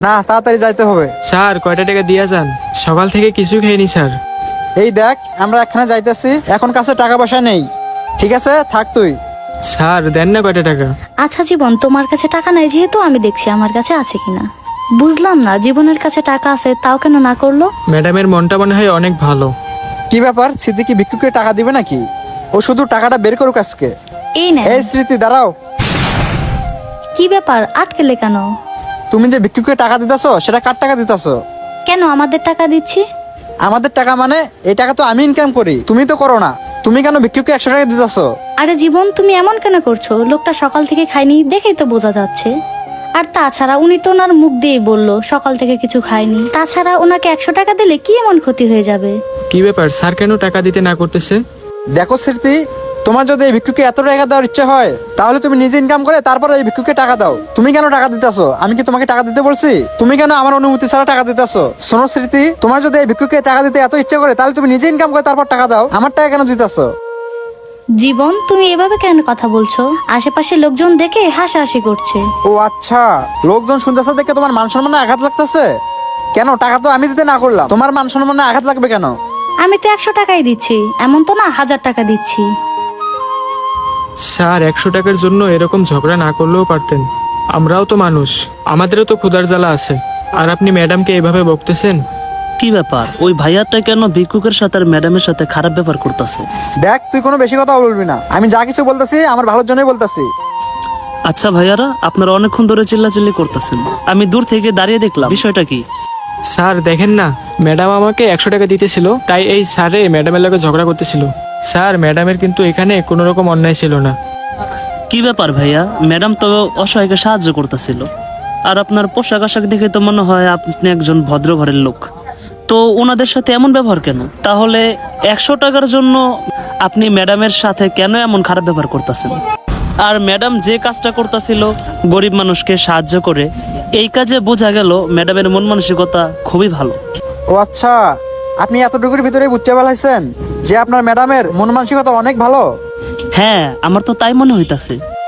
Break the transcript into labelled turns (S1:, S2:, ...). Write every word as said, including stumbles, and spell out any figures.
S1: না, তাড়াতাড়ি যাইতে হবে।
S2: স্যার কয়টা টাকা দিয়া যান? সকাল থেকে কিছু খাইনি স্যার।
S1: এই দেখ, আমরা এখানে যাইতেছি, এখন কাছে টাকা পয়সা নেই। ঠিক আছে, থাক তুই।
S2: স্যার দেন না কয়টা টাকা।
S3: আচ্ছা জীবন, তোমার কাছে টাকা নাই যেহেতু আমি দেখছি আমার কাছে আছে কিনা। বুঝলাম না, জীবনের কাছে টাকা আছে তাও কেন না করলো।
S2: ম্যাডামের মনটা মনে হয় অনেক ভালো।
S1: কি ব্যাপার, স্মৃতি কি ভিক্ষুকে টাকা দিবে নাকি? ও শুধু টাকাটা বের করুক আজকে।
S3: এই না,
S1: এই স্মৃতি, দাঁড়াও।
S3: কি ব্যাপার, আটকেলে কেন?
S1: তুমি যে ভিক্ষুকে টাকা দিতেছো, সেটা কার টাকা দিতেছো?
S3: কেন আমাদের টাকা দিচ্ছি?
S1: আমাদের টাকা মানে? এই টাকা তো আমি ইনকাম করি, তুমি তো করো না। তুমি কেন ভিক্ষুকে একশো টাকা দিতেছো?
S3: আরে জীবন, তুমি এমন কেন করছো? লোকটা সকাল থেকে খায়নি, দেখেই তো বোঝা যাচ্ছে। আর তাছাড়া উনি তো ওনার মুখ দিয়েই বললো সকাল থেকে কিছু খায়নি। তাছাড়া ওনাকে একশো টাকা দিলে কি এমন ক্ষতি হয়ে যাবে?
S2: কি ব্যাপার, স্যার কেন টাকা দিতে না করতেছে?
S1: দেখো স্মৃতি, তোমার যদি এই ভিক্ষুকে এত টাকা দেওয়ার ইচ্ছে হয়, তাহলে তুমি নিজে ইনকাম করে তারপরে এই ভিক্ষুকে টাকা দাও। তুমি কেন টাকা দিতেছো? আমি কি তোমাকে টাকা দিতে বলছি? তুমি কেন আমার অনুমতি ছাড়া টাকা দিতেছো? শোনো স্মৃতি, তোমার যদি এই ভিক্ষুকে টাকা দিতে এত ইচ্ছে করে, তাহলে তুমি নিজে ইনকাম করে তারপর টাকা দাও। আমার টাকা কেন দিতেছো?
S3: জীবন, তুমি এভাবে কেন কথা বলছো? আশেপাশে লোকজন দেখে হাসাহাসি করছে।
S1: ও আচ্ছা, লোকজন শুনতেছে দেখে তোমার মান সম্মানে আঘাত লাগতেছে? কেন, টাকা তো আমি দিতে না করলাম, তোমার মান সম্মানে আঘাত লাগবে কেন?
S3: আমি তো একশো টাকাই দিচ্ছি, এমন তো না হাজার টাকা দিচ্ছি।
S2: স্যার একশো টাকার জন্য এরকম ঝগড়া না করলেও পারতেন। আমরাও তো মানুষ, আমাদেরও তো ক্ষুধার জ্বালা আছে। আর আপনি ম্যাডামকে এভাবে বকতেছেন?
S4: কি ব্যাপার, ওই ভাইয়াটা কেন ভিক্ষুকের সাথে আর ম্যাডামের সাথে খারাপ ব্যাপার করতেছে?
S1: দেখ, তুই কোনো বেশি কথা বলবি না। আমি যা কিছু বলতেছি আমার ভালোর জন্যই বলতেছি।
S4: আচ্ছা ভাইয়ারা, আপনারা অনেকক্ষণ ধরে চিল্লাচিল্লি করতেছেন, আমি দূর থেকে দাঁড়িয়ে দেখলাম, বিষয়টা কি?
S2: স্যার দেখেন না, ম্যাডাম আমাকে একশো টাকা দিতেছিল, তাই এই স্যারে ম্যাডামের লগে ঝগড়া করতেছিল। স্যার ম্যাডামের কিন্তু এখানে কোনো রকম অন্যায় ছিল না।
S4: কি ব্যাপার ভাইয়া, ম্যাডাম তো অসহায়কে সাহায্য করতেছিল, আর আপনার পোশাক আশাক দেখে তো মনে হয় আপনি একজন ভদ্র ঘরের লোক। তো ওনাদের সাথে এমন ব্যবহার কেন? তাহলে একশো টাকার জন্য আপনি ম্যাডামের সাথে কেন এমন খারাপ ব্যবহার করতেছেন? আর ম্যাডাম যে কাজটা করতেছিল গরিব মানুষকে সাহায্য করে, এই কাজে বোঝা গেল ম্যাডামের মন মানসিকতা খুবই ভালো।
S1: ও আচ্ছা, আপনি এতটুকুর ভিতরে বুঝতে পারছেন যে আপনার ম্যাডামের মন মানসিকতা অনেক ভালো?
S4: হ্যাঁ, আমার তো তাই মনে হইতাছে।